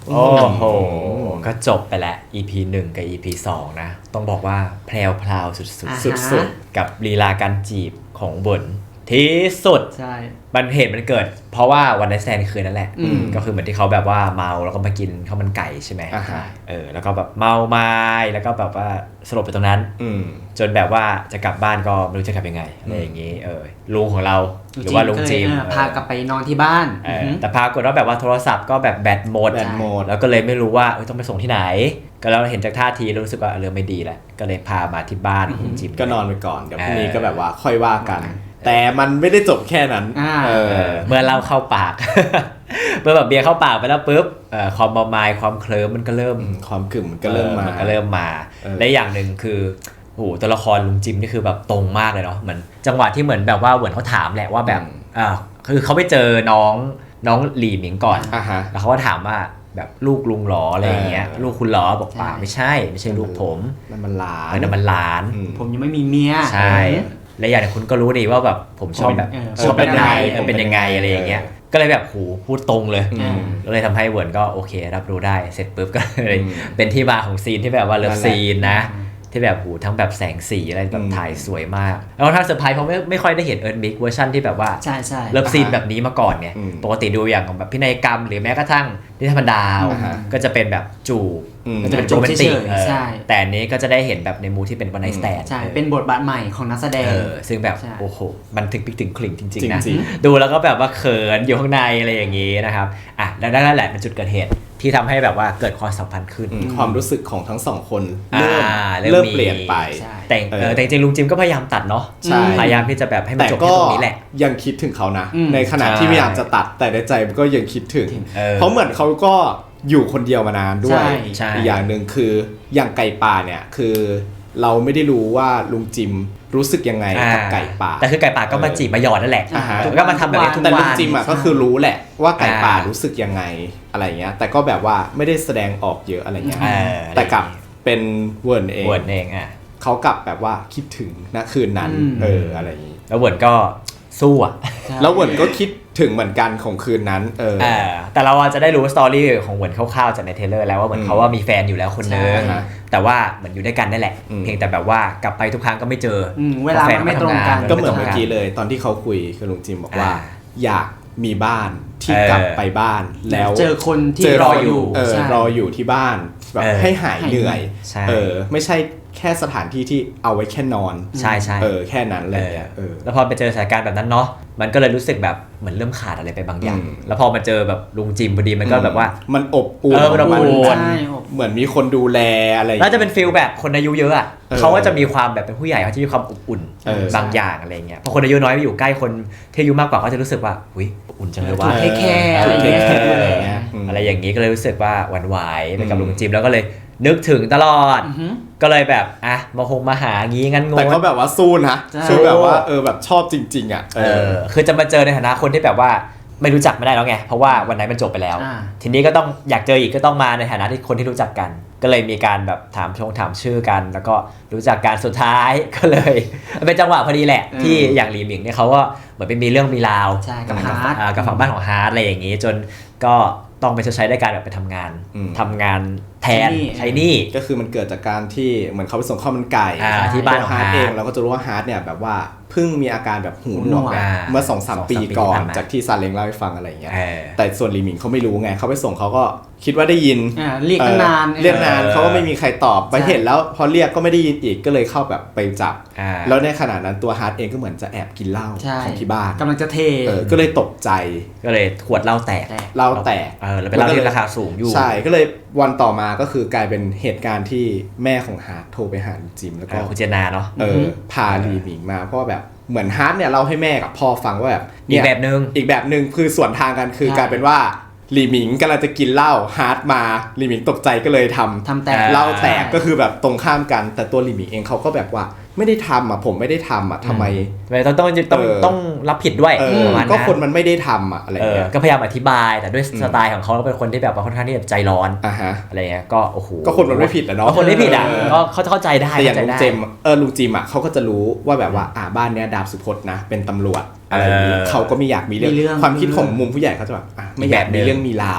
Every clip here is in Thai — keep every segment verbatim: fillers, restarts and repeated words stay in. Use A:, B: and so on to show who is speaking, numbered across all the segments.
A: โอ้โหก็จบไปแล้ว อี พี หนึ่งกับ อี พี สองนะต้องบอกว่าแพรวพราวสุดๆสุดๆกับลีลาการจีบของเวิร์นที่สุด
B: ใช่
A: มันเหตุมันเกิดเพราะว่าวันไนท์สแตนด์คืนนั่นแหละก็คือเหมือนที่เขาแบบว่าเมาแล้วก็มากินข้าวมันไก่ใช่ไหมเออแล้วก็แบบเมาไม้แล้วก็แบบว่าสลบไปตรงนั้นจนแบบว่าจะกลับบ้านก็ไม่รู้จะกลับยังไงอะไรอย่างงี้เออลุงของเราหรือว่าลุงจิม
B: พากลับไปนอนที่บ้าน
A: แต่พากฏว่าแบบว่าโทรศัพท์ก็แบบแบตหมดแล้วก็เลยไม่รู้ว่าต้องไปส่งที่ไหนก็แล้วเห็นจากท่าทีรู้สึกว่าเรื่องไม่ดีแหละก็เลยพามาที่บ้านของจิม
C: ก็นอนไปก่อนเดี๋ยวพรุ่งนี้ก็แบบว่าค่อยว่ากันแต่มันไม่ได้จบแค่นั้นเออ
A: เมื่อเล่าเข้าปากเมื่อแบบเบียร์เข้าปากไปแล้วปุ๊บความเมามายความเคลิ้มมันก็เริ่ม
C: ความกึ่มมันก็เริ่มมา
A: มันก็เริ่มมาและอย่างหนึ่งคือโอ้โหตัวละครลุงจิมนี่คือแบบตรงมากเลยเนาะเหมือนจังหวะที่เหมือนแบบว่าเหมือนเขาถามแหละว่าแบบอ่าคือเขาไปเจอน้องน้องหลี่หมิงก่อนแล้วเขาก็ถามว่าแบบลูกลุงหรออะไรอย่างเงี้ยลูกคุณหรอบอกป่าไม่ใช่ไม่ใช่ลูกผม
C: นั่นมันหลาน
A: นั่นมันหลาน
B: ผมยังไม่มีเมีย
A: ใช่และอย่างคุณก็รู้ดีว่าแบบผมชอบแบบชอบเป็นยังไงเป็นยังไงอะไรอย่างเงี้ยก็เลยแบบหูพูดตรงเลยก็เลยทำให้เวิร์นก็โอเครับรู้ได้เสร็จปุ๊บก็เลยเป็นที่มาของซีนที่แบบว่าเลิฟซีนนะที่แบบหูทั้งแบบแสงสีอะไรแบบถ่ายสวยมากแล้วถ้าเซอร์ไพรส์เพราะไม่ไม่ค่อยได้เห็นเอิร์ธมิกเวอร์ชันที่แบบว่า
B: ใช่ใช่
A: เลิฟซีนแบบนี้มาก่อนไงปกติดูอย่างของแบบพินัยกรรมหรือแม้กระทั่งนิทรรศดาวก็จะเป็นแบบจูบก็จะเป็นโรแมนติกแต่อันนี้ก็จะได้เห็นแบบในมูที่เป็นวันไนท์สแตนด์
B: ใช่เป็นบทบาทใหม่ของนักแสดง
A: ซึ่งแบบโอ้โหมันถึงปิกถึงคลิงจริงๆนะดูแล้วก็แบบว่าเขินอยู่ข้างในอะไรอย่างนี้นะครับอ่ะแล้วนั่นแหละเป็นจุดเกิดเหตุที่ทำให้แบบว่าเกิดความสัมพันธ์ขึ้น
C: ความรู้สึกของทั้งสองคนเริ่มเริ่มเปลี่ยนไป
A: แต่แต่จริงๆลุงจิมก็พยายามตัดเนาะพยายามที่จะแบบให้มันจบที่ตรงนี้แหละ
C: ยังคิดถึงเขานะในขณะที่พยายามจะตัดแต่ในใจก็ยังคิดถึงเพราะเหมือนเขาก็อยู่คนเดียวมานานด้วยอีกอย่างหนึ่งคืออย่างไก่ป่าเนี่ยคือเราไม่ได้รู้ว่าลุงจิมรู้สึกยังไงกับไก่ป่า
A: แต่คือไก่ป่าก็มาจีบมาหยอดนั่นแหละก็มาทำแบบนี้ทุกวัน
C: แต่ลุงจิมอ่ะก็คือรู้แหละว่าไก่ป่ารู้สึกยังไงอะไรเงี้ยแต่ก็แบบว่าไม่ได้แสดงออกเยอะอะไรเงี้ยแต่กับเป็นเวิร์นเอง
A: เวิร์นเองอ่ะ
C: เขากลับแบบว่าคิดถึงณคืนนั้นเอออะไรอย่างงี้
A: แล้วเวิร์นก็สู้อ่ะ
C: แล้วเวิร์นก็คิดถึงเหมือนกันของคืนนั้นเออ
A: แต่เราจะได้รู้สตอรี่ของเวิร์นคร่าวๆจากในเทรลเลอร์แล้วว่าเหมือนเขาว่ามีแฟนอยู่แล้วคนนึงแต่ว่าเหมือนอยู่ด้วยกันนั่นแหละเพียงแต่แบบว่ากลับไปทุกครั้งก็ไม่เจอ
B: เวลาไม่ตรงกัน
C: ก็เหมือนเมื่อกี้เลยตอนที่เขาคุยกับลุงจิมบอกว่าอยากมีบ้านที่กลับไปบ้านแล้ว
B: เจอคนที่รออยู่
C: รออยู่ที่บ้านแบบให้หายเหนื่อยเออไม่ใช่แค่สถานที่ที่เอาไว้แค่นอน
A: ใช่ใช่
C: เออแค่นั้นเลยเออ
A: แล้วพอไปเจอสถานการณ์แบบนั้นเนาะมันก็เลยรู้สึกแบบเหมือนเริ่มขาดอะไรไปบางอย่างแล้วพอมาเจอแบบลุงจิมพอดีมันก็แบบว่า
C: มันอบอุ่นเหมือนมีคนดูแลอะไร
A: แล้วจะเป็นฟีลแบบคนอายุเยอะอ่ะเขาก็จะมีความแบบเป็นผู้ใหญ่เขาจะมีความอบอุ่นบางอย่างอะไรเงี้ยพอคนอายุน้อยไปอยู่ใกล้คนที่อายุมากกว่าก็จะรู้สึกว่าอุ้ยอุ่นจังเลยว่า
B: เทคแคร์
A: อะไรอย่างงี้ก็เลยรู้สึกว่าหวั่นไหวไปกับลุงจิมแล้วก็เลยนึกถึงตลอดก็เลยแบบอ่ะมาคงมาหางี้งั้นงง
C: แต่ก็แบบว่าสู้นะสู้แบบว่าเออแบบชอบจริงๆอ่ะ
A: เออคือจะมาเจอในฐานะคนที่แบบว่าไม่รู้จักไม่ได้แล้วไงเพราะว่าวันไหนมันจบไปแล้วทีนี้ก็ต้องอยากเจออีกก็ต้องมาในฐานะที่คนที่รู้จักกันก็เลยมีการแบบถามชงถามชื่อกันแล้วก็รู้จักกันสุดท้ายก็เลยเป็นจังหวะพอดีแหละที่อย่างหลีหมิงเนี่ยเขาก็เหมือนเป็นมีเรื่องมีราว
B: กับฮาร์ด
A: กับฝั่งบ้านของฮาร์ดอะไรอย่างงี้จนก็ต้องไปใช้ได้การแบบไปทำงานทำงานแทนใช้นี่
C: ก็คือมันเกิดจากการที่เหมือนเขาไปส่งข้าวมันไก่
A: ที่บ้านของฮาร์ด
C: เองเราก็จะรู้ว่าฮาร์ดเนี่ยแบบว่าเพิ่งมีอาการแบบหูหนวกเมื่อ สองสาม ปีก่อนจากที่ซาเล้งเล่าให้ฟังอะไรอย่างเงี้ยแต่ส่วนหลีหมิงเขาไม่รู้ไงเขาไปส่งเขาก็คิดว่าได้ยิน
B: เรียกนาน
C: เรียกนานเขาก็ไม่มีใครตอบไปเห็นแล้วพอเรียกก็ไม่ได้ยินอีกก็เลยเข้าแบบไปจับแล้วในขณะนั้นตัวฮาร์ดเองก็เหมือนจะแอบกินเหล้าของที่บ้าน
B: กำลังจะเท
C: ก็เลยตกใจ
A: ก็เลยขวดเหล้าแตก
C: เหล้าแตก
A: เออแล้วเป็นเหล้าที่ราคาสูงอยู่
C: ใช่ก็เลยวันต่อมาก็คือกลายเป็นเหตุการณ์ที่แม่ของฮาร์ดโทรไปหาจิมแล้วก็
A: คุณเจนาเนาะ
C: เออพาหลีหมิงมาเพราะแบบเหมือนฮาร์ดเนี่ยเล่าให้แม่กับพ่อฟังว่าแบบ
A: อีกแบบนึง
C: อีกแบบนึงคือส่วนทางกันคือกลายเป็นว่าหลีหมิงกำลังจะกินเหล้าฮาร์ดมาหลีหมิงตกใจก็เลยทำ
B: ทำแตก
C: เหล้าแตกก็คือแบบตรงข้ามกันแต่ตัวหลีหมิงเองเขาก็แบบว่าไม่ได้ทำอ่ะผมไม่ได้ทำอ่ะทำไม
A: ต้องต้องต้องต้องรับผิดด้วย
C: ก็คนมันไม่ได้ทำอ่ะอะไรเงี้ย
A: ก็พยายามอธิบายแต่ด้วยสไตล์ของเขาเป็นคนที่แบบว่าค่อนข้างที่จะใจร้อนอะไรเงี้ยก็โอ้โห
C: ก็คนมันไม่ผิดแหละเนาะ
A: คนไม่ผิดอ่ะก็เขาจะเข้าใจได้
C: แต่อย่างลุงเจมเออลุงจิมอ่ะเขาก็จะรู้ว่าแบบว่าอ่าบ้านเนี้ยดาบสุพจน์นะเป็นตำรวจอะไรอย่างนี้เขาก็ไม่อยากมีเรื่องความคิดของมุมผู้ใหญ่เขาจะแบบอ่ะไม่อยากมีเรื่องมีราว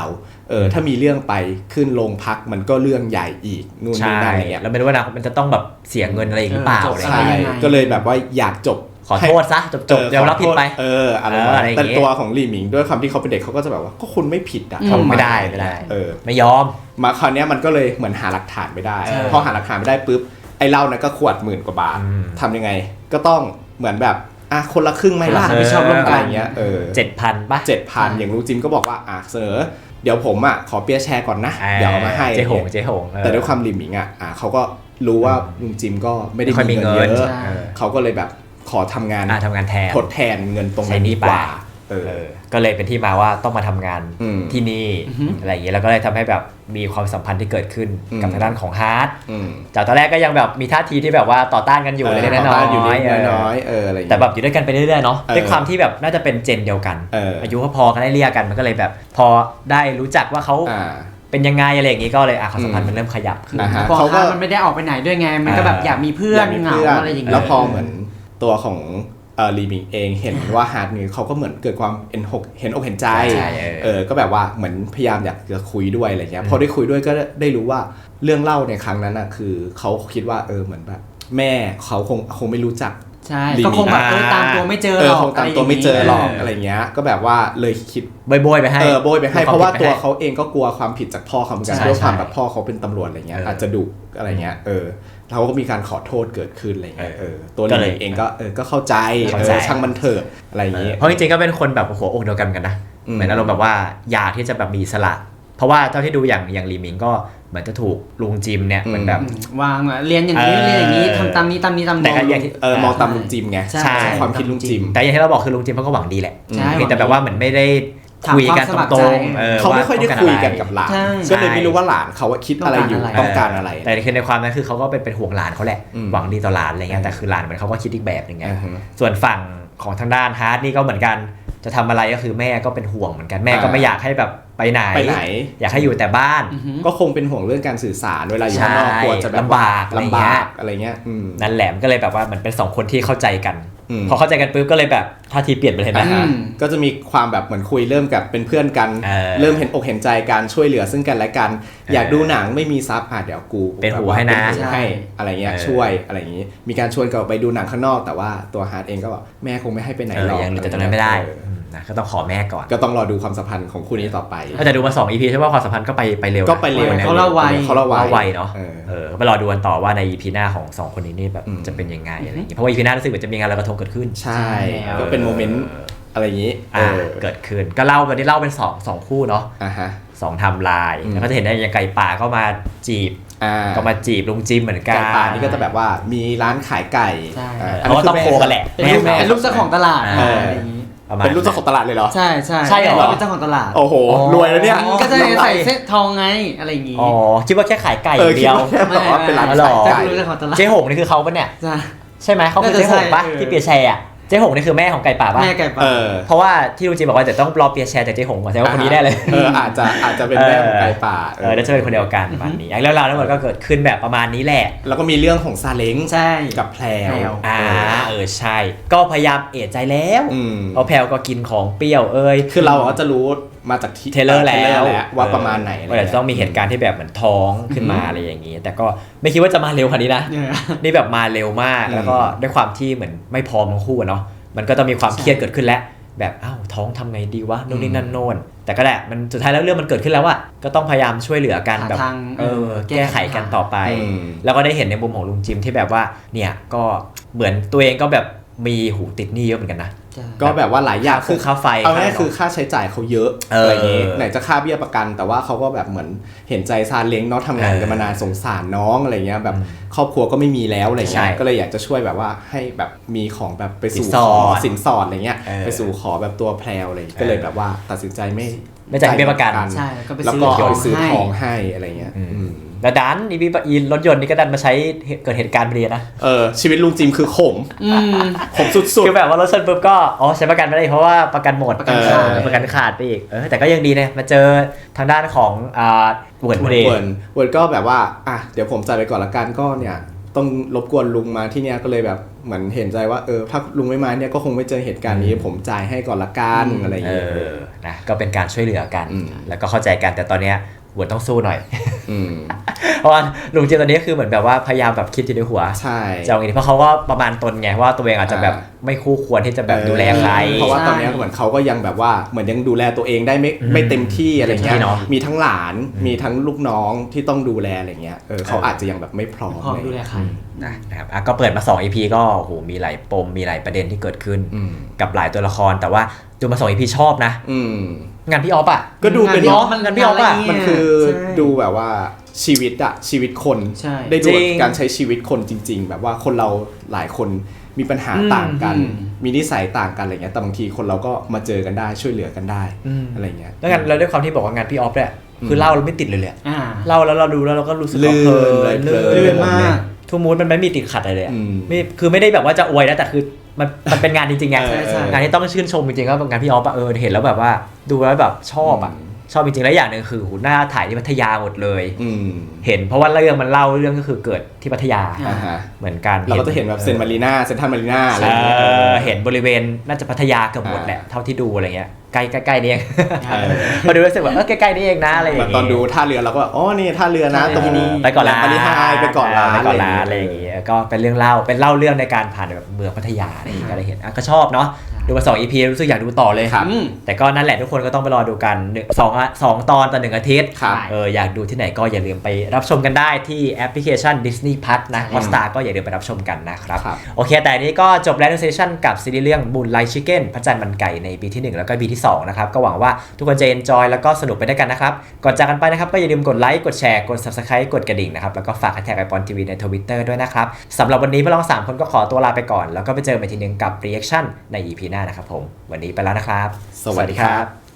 C: เออถ้ามีเรื่องไปขึ้นโรงพักมันก็เรื่องใหญ่อีกนู่นนี่นั่นอะไรเงี้ย
A: แล้วไม่รู้ว่านะมันจะต้องแบบเสียเงินอะไรอีกหรือเปล่าอะไร
C: ใช่ก็เลยแบบว่าอยากจบ
A: ขอโทษซะจบๆยอมรับผิดไป
C: เอออะไรแต่ตัวของลี่หมิงด้วยความที่เขาเป็นเด็กเขาก็จะแบบว่าก็คุณไม่ผิดอ่ะ
A: ทำไม่ได้ไม่ได้
C: เออ
A: ไม่ยอม
C: มาคราวนี้มันก็เลยเหมือนหาหลักฐานไม่ได้พอหาหลักฐานไม่ได้ปุ๊บไอ้เหล้านั้นก็ขวดหมื่นกว่าบาททำยังไงก็ต้องเหมือนแบบอ่ะคนละครึ่งไหมล่ะ
B: ไม่ชอบร่วมกัน
C: อย่างเงี้ยเออ
A: เจ็ดพันป่ะ
C: เจ็ดพันอย่างลุงจิมก็บอกว่าอ่ะเสนอเดี๋ยวผมอ่ะขอเปียร์แชร์ก่อนนะเดี๋ยวเอามาให้
A: เจ๊หงเจ๊หง
C: แต่ด้วยความลี่หมิงอ่ะอ่ะเขาก็รู้ว่าลุงจิมก็ไม่ได้มีเงินเยอะเขาก็เลยแบบขอทำงาน
A: ทำงานแทน
C: ทดแทนเงินตรงนี้ดีกว่าเออ
A: ก็เลยเป็นที่มาว่าต้องมาทำงานที่นี่อะไรอย่างเงี้ยแล้วก็เลยทำให้แบบมีความสัมพันธ์ที่เกิดขึ้นกับทางด้านของฮาร์ดจากตอนแรกก็ยังแบบมีท่าทีที่แบบว่าต่อต้านกันอยู่เล็กๆน้อยๆอยู่
C: น้อยๆเอออะไร
A: แต่แบบอยู่ด้วยกันไปเรื่อยๆเนาะด้วยความที่แบบน่าจะเป็นเจนเดียวกันอายุพอๆกันได้เรียกกันมันก็เลยแบบพอได้รู้จักว่าเขาเป็นยังไงอะไรอย่างงี้ก็เลยอ่ะความสัมพันธ์มันเริ่มขยับขึ้น
B: เพราะว่ามันไม่ได้ออกไปไหนด้วยไงมันก็แบบอยากมีเพื่อนเหงาอะไรอย่างเงี้ย
C: แล้วพอเหมือนตัวของเออลีมิงเองเห็นว่าฮาร์ดนี่เขาก็เหมือนเกิดความเห็นอกเห็นอกเห็นใจเออก็แบบว่าเหมือนพยายามอยากจะคุยด้วยอะไรเงี้ยพอได้คุยด้วยก็ได้รู้ว่าเรื่องเล่าในครั้งนั้นน่ะคือเขาคิดว่าเออเหมือนแบบแม่เขาคงคงไม่รู้จัก
B: ใช่ก็คงแบบตามตัวไม่เจอหรอก
C: คงตามตัวไม่เจอหรอกอะไรเงี้ยก็แบบว่าเลยคิด
A: โบยๆไปให้
C: เออโบยไปให้เพราะว่าตัวเขาเองก็กลัวความผิดจากพ่อเขาเหมือนกันด้วยความแบบพ่อเขาเป็นตำรวจอะไรเงี้ยอาจจะดุอะไรเงี้ยเออเขาก็มีการขอโทษเกิดขึ้นอะไรเงี้ยเออตัวลีเองก็เออก็เข้าใจช่างมันเถอะอะไรอย่างเงี้ย
A: เพราะจริงๆก็เป็นคนแบบหัวอกเดียวกันกันนะเหมือนอารมณ์แบบว่าอยากที่จะแบบมีสละเพราะว่าเท่าที่ดูอย่างอย่างลีมิงก็เหมือนจะถูกลุงจิมเนี่ยมันแบบ
B: วางเรียนอย่างนี้เรียนอย่างนี้ทำตามนี้ตามนี้ตาม
A: แต่ก็
C: อย่างที่เออมองตามลุงจิมไงใช่ความคิดลุงจิม
A: แต่อย่างที่เราบอกคือลุงจิมเขาก็หวังดีแหละแต่แบบว่าเหมือนไม่ได้คุยกันตรงๆ
C: เขาไม่ค่อยได้คุยกันกับหลานก็เลยไม่รู้ว่าหลานเขาคิดอะไรอยู่ต้องการอะไร
A: แต่คือในความนั้นคือเขาก็เป็นเป็นห่วงหลานเขาแหละหวังดีต่อหลานอะไรเงี้ยแต่คือหลานเหมือนเขาก็คิดอีกแบบนึงไงส่วนฝั่งของทางด้านฮาร์ดนี่ก็เหมือนกันจะทำอะไรก็คือแม่ก็เป็นห่วงเหมือนกันแม่ก็ไม่อยากให้แบบไปไหนอยากให้อยู่แต่บ้าน
C: ก็คงเป็นห่วงเรื่องการสื่อสารเวลาอยู่ข้างนอกกลัวจะ
A: ลำบาก
C: ลำบากอะไรเงี้ย
A: นั่นแหละก็เลยแบบว่าเหมือนเป็นสองคนที่เข้าใจกันพอเข้าใจกันปุ๊บก็เลยแบบท่าทีเปลี่ยนไปเลยนะ
C: ก็จะมีความแบบเหมือนคุยเริ่มกับเป็นเพื่อนกันเริ่มเห็นอกเห็นใจการช่วยเหลือซึ่งกันและกันอยากดูหนังไม่มีซับอ่ะเดี๋ยวกู
A: เป็นหูให้นะ
C: ให้อะไรเงี้ยช่วยอะไรอย่างงี้มีการชวนกันไปดูหนังข้างนอกแต่ว่าตัวฮาร์ดเองก็บอกแม่คงไม่ให้ไปไหนหรอก
A: ยังแต่ตอนนั้นไม่ได้นะก็ต้องขอแม่ก่อน
C: ก็ต้องรอดูความสัมพันธ์ของคู่นี้ต่อไป
A: ก็จะดูมาสอง อี พี ใช่ว่าความสัมพันธ์ก็ไปไปเร็ว
C: ก็ไปเร็ว
B: เขาเล่าไว
C: เขาเล่าไว
A: เนาะเออไปรอดูกันต่อว่าใน อี พี หน้าของสองคนนี้นี่แบบจะเป็นยังไงอะไรอย่างเงี้ยเพราะว่า อี พี หน้ารู้สึกว่าจะมีงานลอยกระทงเกิดขึ้น
C: ใช่ก็เป็นโมเมนต์อะไรอย่างงี้
A: เกิดขึ้นก็เล่ากันที่เล่าเป็นสอง สองคู่เนาะสองไทม์ไลน์แล้วก็จะเห็นได้ยังไก่ป่าก็มาจีบก็มาจีบลุงจิมเหมือนกันไก่
C: ป่านี่ก็จะแบบว่ามีร้านขายไก่
A: อันนี้ต้องโคกันแหละ
B: เป็นลูกเจ้าของตลาด
C: เป็นลูกเจ้าของตลาดเลยเหรอ
B: ใช่ใช่
A: ใช่เหรอ
B: เป็นเจ้าของตลาด
C: โอ้โหรวยแล้วเนี่ย
B: ก็จะใส่เซ็ตทองไงอะไรอย่างงี้
A: อ๋อคิดว่าแค่ขายไก่เดียว
C: ไม่ว่าเป็นร้านขายไก่
A: เจ๊หงนี่คือเขาปะเนี่ยใช่ไหมเขาคือเจ๊หงปะที่เปียแชร์เจ๊หงนี่คือแม่ของไก่ป่าป่ะ
B: แม่ไก่ป่า
A: เพราะว่าที่ลุงจิมบอกว่าจะต้องรอเปียแชร์จากเจ๊หงก่อนแสดงว่าคนนี้ได้เลย
C: เอออาจจะอาจจะเป็นแม่ของไก่ป่า
A: เออแล้วจะเป็นคนเดียวกันประมาณนี้แล้วเราทั้งหมดก็เกิดขึ้นแบบประมาณนี้แหละ
C: แล้วก็มีเรื่องของซาเล้งกับแพรว
A: อ่าเออใช่ก็พยายามเอะใจแล้วเพราะแพรวก็กินของเปรี้ยวเอ้ย
C: คือเราก็จะรู้มาจาก
A: เทเลอร์แล้ว
C: ว่าประมาณไหน
A: ว่าจะต้องมีเหตุการณ์ที่แบบเหมือนท้องขึ้นมาอะไรอย่างนี้แต่ก็ไม่คิดว่าจะมาเร็วขนาดนี้นะนี่แบบมาเร็วมากแล้วก็ด้วยความที่เหมือนไม่พร้อมทั้งคู่เนาะมันก็ต้องมีความเครียดเกิดขึ้นแล้วแบบอ้าวท้องทำไงดีวะนู่นนี่นั่นโน่นแต่ก็แหละมันสุดท้ายแล้วเรื่องมันเกิดขึ้นแล้วอะก็ต้องพยายามช่วยเหลือกันแบบเออแก้ไขกันต่อไปแล้วก็ได้เห็นในมุมของลุงจิมที่แบบว่าเนี่ยก็เหมือนตัวเองก็แบบมีหูติดหนี้เยอะเหมือนกันนะ
C: ก็แบบว่าหลายอย่าง
A: คือค่าไฟ
C: เอาง่ายคือค่าใช้จ่ายเขาเยอะอะไรอย่างงี้ไหนจะค่าเบี้ยประกันแต่ว่าเขาก็แบบเหมือนเห็นใจซาเล้งเนาะทำงานกันมานานสงสารน้องอะไรเงี้ยแบบครอบครัวก็ไม่มีแล้วอะไรเงี้ยก็เลยอยากจะช่วยแบบว่าให้แบบมีของแบบไปสู่ขอสินสอดอะไรเงี้ยไปสู่ขอแบบตัวแพรวอะไรก็เลยแบบว่าตัดสินใจไม่
A: ไม่จ่ายเบี้ยประกัน
C: แล้วก็ไปซื้อของให้อะไรเงี้ย
A: แล้วดันอีวีอีรถยนต์นี่ก็ดันมาใช้เกิดเหตุการณ์เรียนนะ
C: เออชีวิตลุงจิมคือขมขมสุดๆ
A: คือแบบว่ารถชนปุ๊บก็อ๋อใช้ประกันไม่ได้เพราะว่าประกันหมดประกันขาดประกันขาดไปอีกเออแต่ก็ยังดีนะมาเจอทางด้านของอ่าเวิร์ดเวิร์ด
C: เวิร์ดก็แบบว่าอ่ะเดี๋ยวผมจ่ายไปก่อนละกันก็เนี่ยต้องรบกวนลุงมาที่เนี่ยก็เลยแบบเหมือนเห็นใจว่าเออถ้าลุงไม่มาเนี่ยก็คงไม่เจอเหตุการณ์นี้ผมจ่ายให้ก่อนละกันอะไรอย่างเงี้ย
A: นะก็เป็นการช่วยเหลือกันแล้วก็เข้าใจกันแต่ตอนเนี้ยหัวต้องสู้หน่อยเพราะว่าลุงเจนตอนนี้คือเหมือนแบบว่าพยายามแบบคิดอยู่ในหัว
C: ใช่
A: จะเอาไงเพราะเขาก็ประมาณตนไงว่าตัวเองอาจจะแบบไม่คู่ควรที่จะแบบดูแลใคร
C: เพราะว่าตอนนี้เหมือนเขาก็ยังแบบว่าเหมือนยังดูแลตัวเองได้ไม่ไม่เต็มที่อะไรเงี้ยมีทั้งหลานมีทั้งลูกน้องที่ต้องดูแลอะไรเงี้ยเออเขาอาจจะยังแบบไม่พร้อม
B: ดูแลใคร
A: นะครับก็เปิดมาสอง อี พี ก็โหมีหลายปมมีหลายประเด็นที่เกิดขึ้นกับหลายตัวละครแต่ว่าดูมาสอง อี พี ชอบนะงานพี่ออฟอ่ะ
C: ก็ดูเป็น
A: เนาะงานพี่ออฟอ่ะ
C: มันคือดูแบบว่าชีวิตอะชีวิตคนได้ดูการใช้ชีวิตคนจริงๆแบบว่าคนเราหลายคนมีปัญหาต่างกันมีนิสัยต่างกันอะไรเงี้ยแต่บางทีคนเราก็มาเจอกันได้ช่วยเหลือกันได้อะไรเงี้ย
A: แล้วงานเราด้วยความที่บอกว่างานพี่ออฟเนี่ยคือเล่าเราไม่ติดเลยเลยเล่าแล้วเราดูแล้วเราก็รู้สึกเพลินเลยลื่นมากทุกมูดมันไม่มีติดขัดอะไรเลยไม่คือไม่ได้แบบว่าจะอวยนะแต่คือมันมันเป็นงานจริงๆไงงานที่ต้องชื่นชมจริงๆก็งานพี่ออฟอะเออเห็นแล้วแบบว่าดูแล้วแบบชอบอะชอบจริงๆแล้วอย่างหนึ่งคือหน้าถ่ายที่พัทยาหมดเลยเห็นเพราะว่าเรื่องมันเล่าเรื่องก็คือเกิดที่พัทยาเหมือนกัน
C: เราก็จะเห็นแบบเซนมารีนาเซนทรัลมารีนาอะไรอย่างเงี้ย
A: เห็นบริเวณน่าจะพัทยาเกือบหมดแหละเท่าที่ดูอะไรเงี้ยใกล้ใกล้ๆนี่เองพอดูรู้สึกว่าเออใกล้ๆนี่เองนะอะไรอย่างเงี้ย
C: ตอนดูท่าเรือเราก็อ๋อนี่ท่าเรือนะตรงนี้
A: ไปก่อนละ
C: มารีนาไปก่อนละ
A: ไปก่อนละอะไรอย่างเงี้ยก็เป็นเรื่องเล่าเป็นเล่าเรื่องในการผ่านแบบเมืองพัทยาอะไรอย่างเงี้ยก็เลยเห็นก็ชอบเนาะดูมาสอง อี พี รู้สึกอยากดูต่อเลยแต่ก็นั่นแหละทุกคนก็ต้องไปรอดูกันสอง สองตอนต่อหนึ่งอาทิตย์เอออยากดูที่ไหนก็อย่าลืมไปรับชมกันได้ที่แอปพลิเคชัน Disney Plus นะ Hotstar ก็อย่าลืมไปรับชมกันนะครับโอเคแต่นี้ก็จบแล้วในเซสชั่นกับซีรีส์เรื่อง Moonlight Chicken พระจันทร์มันไก่ในปีที่หนึ่งแล้วก็ปีที่สองนะครับก็หวังว่าทุกคนจะ enjoy แล้วก็สนุกไปด้วยกันนะครับก่อนจากกันไปนะครับก็อย่าลืมกดไลค์กดแชร์กด Subscribe กดกระดิ่งนะครับแล้วก็ฝากแท็กไอปอนทีวีใน Twitter ด้วยนะครับสำหรับวันนี้พวกเราสามคนก็ขอตัวลาไปก่อนแล้วก็ไปเจอกันอีกทีนึงกับ Reaction ใน อี พี หน้านะครับผมวันนี้ไปแล้วนะครับ
C: สวัสดีครับ